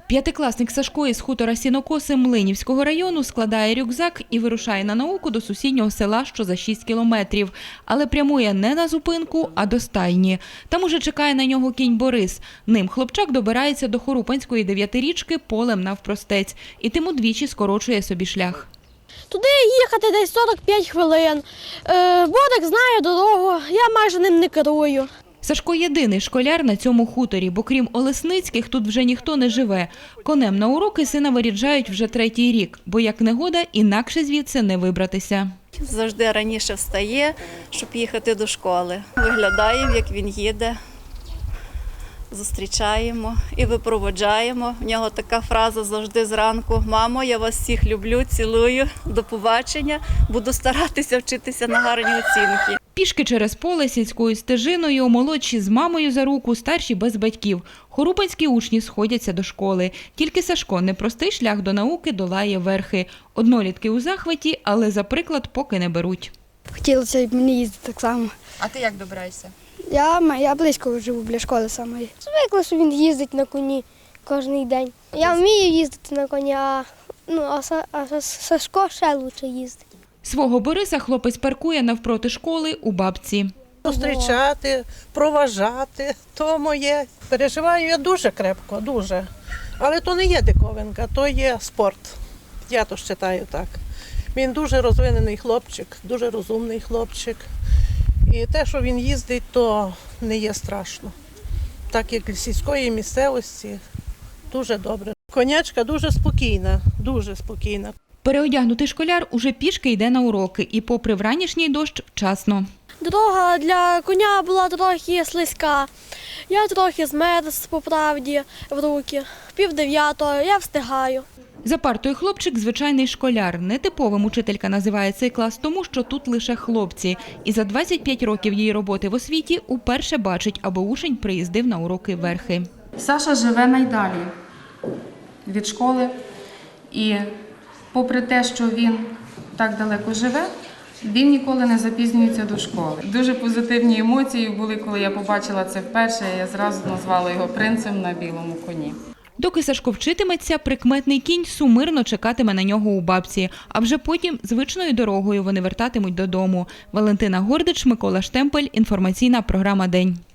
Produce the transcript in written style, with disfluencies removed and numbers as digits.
П'ятикласник Сашко із хутора Сінокоси Млинівського району складає рюкзак і вирушає на науку до сусіднього села, що за 6 кілометрів. Але прямує не на зупинку, а до стайні. Там уже чекає на нього кінь Борис. Ним хлопчак добирається до Хорупанської 9-річки полем навпростець. І тим удвічі скорочує собі шлях. Туди їхати десь 45 хвилин. Бодик знає дорогу, я майже ним не керую. Сашко єдиний школяр на цьому хуторі, бо крім Олесницьких тут вже ніхто не живе. Конем на уроки сина виряджають вже 3-й рік, бо як негода, інакше звідси не вибратися. Завжди раніше встає, щоб їхати до школи. Виглядаємо, як він їде, зустрічаємо і випроводжаємо. В нього така фраза завжди зранку: «Мамо, я вас всіх люблю, цілую, до побачення, буду старатися вчитися на гарні оцінки». Пішки через поле сільською стежиною, молодші з мамою за руку, старші без батьків. Хорупанські учні сходяться до школи. Тільки Сашко непростий шлях до науки долає верхи. Однолітки у захваті, але за приклад поки не беруть. Хотілося б мені їздити так само. А ти як добираєшся? Я близько живу біля школи самої. Звикла, що він їздить на коні кожен день. Я вмію їздити на коні, а Сашко ще краще їздить. Свого Бориса хлопець паркує навпроти школи у бабці. Зустрічати, проважати – то моє. Переживаю я дуже крепко, дуже. Але то не є диковинка, то є спорт. Я то вважаю так. Він дуже розвинений хлопчик, дуже розумний хлопчик. І те, що він їздить, то не є страшно. Так як для сільської місцевості, дуже добре. Конячка дуже спокійна, дуже спокійна. Переодягнутий школяр уже пішки йде на уроки і попри вранішній дощ вчасно. Дорога для коня була трохи слизька. Я трохи змерз, по правді, в руки. 8:30, я встигаю. За партою хлопчик – звичайний школяр. Нетиповим учителька називає цей клас тому, що тут лише хлопці. І за 25 років її роботи в освіті уперше бачить, аби учень приїздив на уроки верхи. Саша живе найдалі від школи. І попри те, що він так далеко живе, він ніколи не запізнюється до школи. Дуже позитивні емоції були, коли я побачила це вперше. Я зразу назвала його принцем на білому коні. Доки Сашко вчитиметься, прикметний кінь сумирно чекатиме на нього у бабці. А вже потім звичною дорогою вони вертатимуть додому. Валентина Гордич, Микола Штемпель. Інформаційна програма «День».